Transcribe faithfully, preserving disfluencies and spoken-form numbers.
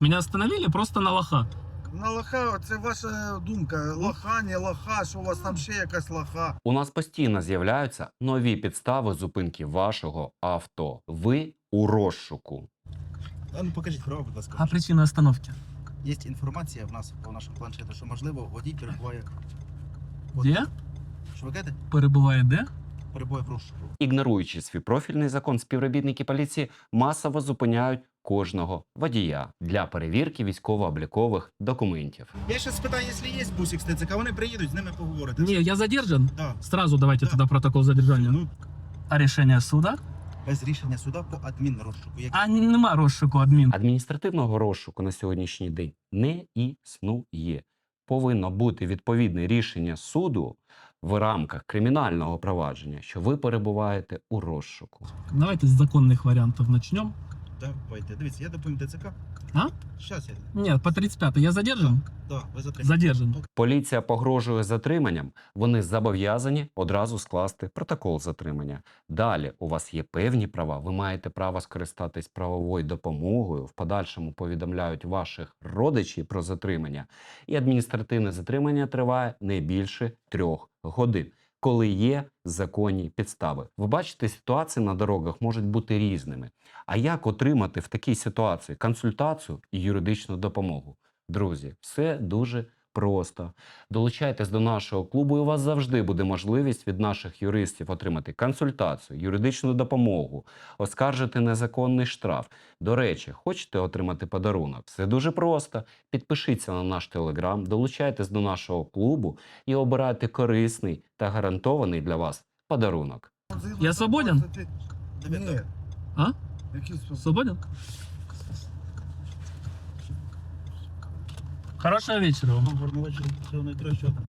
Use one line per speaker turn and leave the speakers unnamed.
Меня остановили просто на лоха.
На лоха, це ваша думка. Лоха, не лоха, що у вас там ще якась лоха.
У нас постійно з'являються нові підстави зупинки вашого авто. Ви у розшуку.
А ну покажіть право, будь ласка.
А причина остановки?
Є інформація в нас по нашому планшету, що можливо водій перебуває.
Де?
Що ви кажете?
Перебуває де?
Перебуває в розшуку.
Ігноруючи свій профільний закон, співробітники поліції масово зупиняють кожного водія для перевірки військово-облікових документів.
Я ще спитаю, якщо є бусик з ТЦК, вони приїдуть, з ними поговорити.
Не, я задержан.
Да.
Сразу давайте
Да.
туда протокол задержания.
Ну,
А решение суда?
без рішення суда по адмінрозшуку. Як...
А нема розшуку адмін.
Адміністративного розшуку на сьогоднішній день не існує. Повинно бути відповідне рішення суду в рамках кримінального провадження, що ви перебуваєте у розшуку.
Давайте з законних варіантів начнем.
Давайте, дивіться, я доповім ТЦК.
А?
Щас я.
Нет, по тридцать пятой я задержан?
Да, ви затримані.
Задержан.
Поліція погрожує затриманням, вони зобов'язані одразу скласти протокол затримання. Далі у вас є певні права, ви маєте право скористатись правовою допомогою, в подальшому повідомляють ваших родичів про затримання, і адміністративне затримання триває не більше трьох годин, коли є законні підстави. Ви бачите, ситуації на дорогах можуть бути різними. А як отримати в такій ситуації консультацію і юридичну допомогу? Друзі, все дуже просто. Долучайтесь до нашого клубу, і у вас завжди буде можливість від наших юристів отримати консультацію, юридичну допомогу, оскаржити незаконний штраф. До речі, хочете отримати подарунок? Все дуже просто. Підпишіться на наш телеграм, долучайтесь до нашого клубу і обирайте корисний та гарантований для вас подарунок.
Я свободен?
Ні.
А?
Який свободен?
Свободен? Хорошего вечера вам.
Гарного вечора. Всього найкращого.